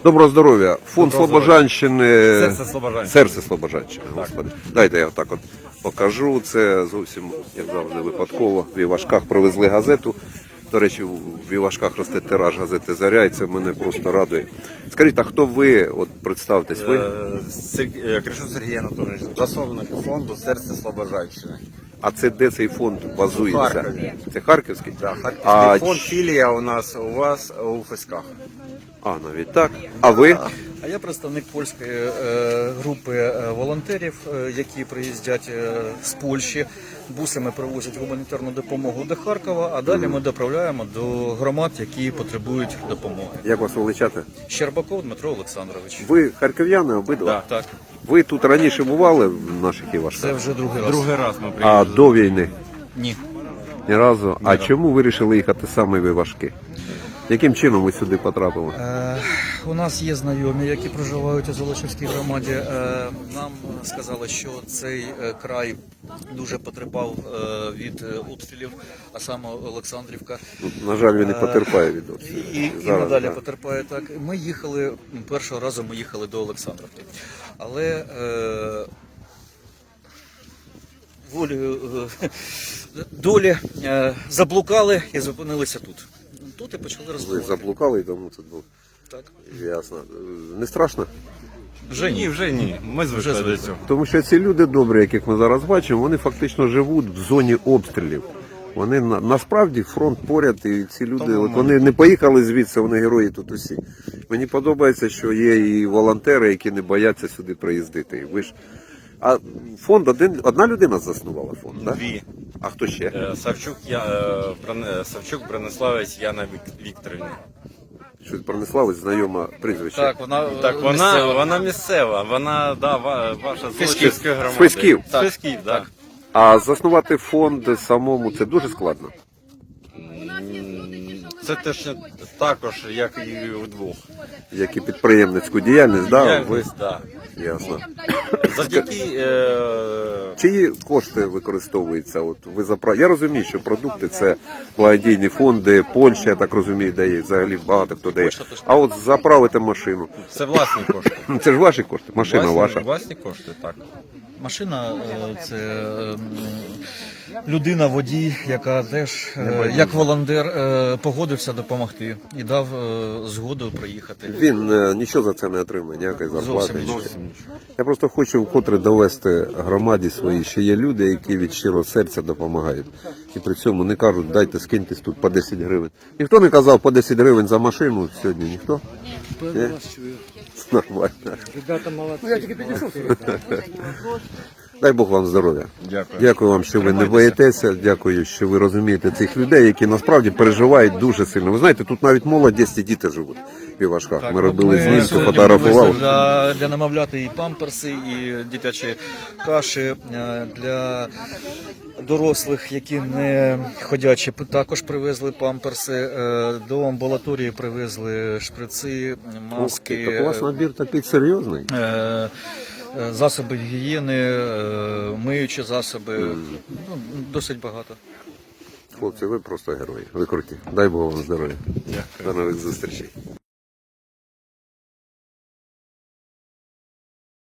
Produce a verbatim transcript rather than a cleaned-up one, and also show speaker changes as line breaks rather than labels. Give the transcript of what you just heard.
Доброго здоров'я. Фонд Слобожанщини.
Серце Слобожанщини.
Серце Слобожанщини, господи. Дайте я так от покажу. Це зовсім, як завжди, випадково. В Івашках привезли газету. До речі, в Івашках росте тираж газети «Заря», і це мене просто радує. Скажіть, а хто ви? От представтесь, ви?
Кришун Сергій Анатолійович, засновник фонду «Серце Слобожанщини».
А це де цей фонд базується?
Харкові.
Це Харківський?
Да, Харківський
А
фонд,
ч-
філія у нас, у вас у Фесках.
А, навіть так. А ви?
А я представник польської е, групи е, волонтерів, е, які приїздять е, з Польщі. Бусами привозять гуманітарну допомогу до Харкова, а далі ми доправляємо до громад, які потребують допомоги.
Як вас величати?
Щербаков Дмитро Олександрович.
Ви харків'яни обидва?
Так,
Ви тут раніше бували в наших Івашках?
це вже другий раз.
Другий раз ми
А
приїхали.
до війни?
Ні.
Ні разу. А чому вирішили їхати саме в Івашки? Яким чином ви сюди потрапили?
Е, у нас є знайомі, які проживають у Золочівській громаді. Е, нам сказали, що цей е, край дуже потерпав е, від е, обстрілів, а саме Олександрівка.
На жаль, він не потерпає від
І,
обстрілів.
і, і
Зараз,
надалі
так.
потерпає так. Ми їхали, першого разу ми їхали до Олександрівки. Але е, волею е, долі е, заблукали і зупинилися тут. Тут і почали
Ви
розвивати.
заблукали і тому це було.
Так.
Ясно. Не страшно?
Вже
Ні, вже ні. Ми звикли
Вже
до
звикли.
цього.
Тому що ці люди добрі, яких ми зараз бачимо, вони фактично живуть в зоні обстрілів. Вони на, насправді фронт поряд, і ці люди, от вони не поїхали звідси, вони герої тут усі. Мені подобається, що є і волонтери, які не бояться сюди приїздити. І ви ж... А фонд один, одна людина заснувала фонд, так?
Дві.
А хто ще?
Е, Савчук, я, е, Бране- Савчук Брониславець Яна Вік- Вікторівна.
Щось Брониславець, знайома прізвище.
Так, вона,
Так, вона
місцева.
вона місцева, вона, да, ва- ваша з
Фесків.
Золочівської громади.
З Фесків.
З Фесків, так.
А заснувати фонд самому це дуже складно.
Це теж не- також, як і вдвох.
Як і підприємницьку діяльність, да?
Я,
Ви...
да.
Ясно.
Завдяки е,
Чиї кошти використовуються? От ви запра... Я розумію, що продукти це благодійні фонди, Польща, я так розумію, дає, взагалі багато хто дає. А от заправити машину.
це власні кошти.
Це ж ваші кошти, машина
Власні,
ваша.
власні кошти, так.
Машина е, це е, людина, водій, яка теж е, як волонтер е, погодився допомогти і дав е, згоду приїхати.
Він е, нічого за це не отримує, ніякої зарплати.
Зовсім
нічого.
нічого.
Я просто хочу вкотре довести громаді своїй, що є люди, які від щирого серця допомагають. І при цьому не кажуть, дайте скиньтесь тут по десять гривень. Ніхто не казав по десять гривень за машину сьогодні, ніхто? Ні? Нормально. Дай Бог вам здоров'я.
Дякую.
Дякую вам, що ви не боїтеся. Дякую, що ви розумієте цих людей, які насправді переживають дуже сильно. Ви знаєте, тут навіть молодість і діти живуть в Івашках. Ми робили знімки,
сьогодні
фотографували.
привезли Для, для немовляти і памперси, і дитячі каші е, для дорослих, які не ходячі. Також привезли памперси. Е, До амбулаторії привезли шприци, маски.
Так у вас набір такий серйозний.
Е, е, Засоби гігієни, е, миючі засоби, ну, досить багато.
Хлопці, ви просто герої. Ви круті. Дай Бог вам здоров'я.
Дякую.
До нових зустрічей.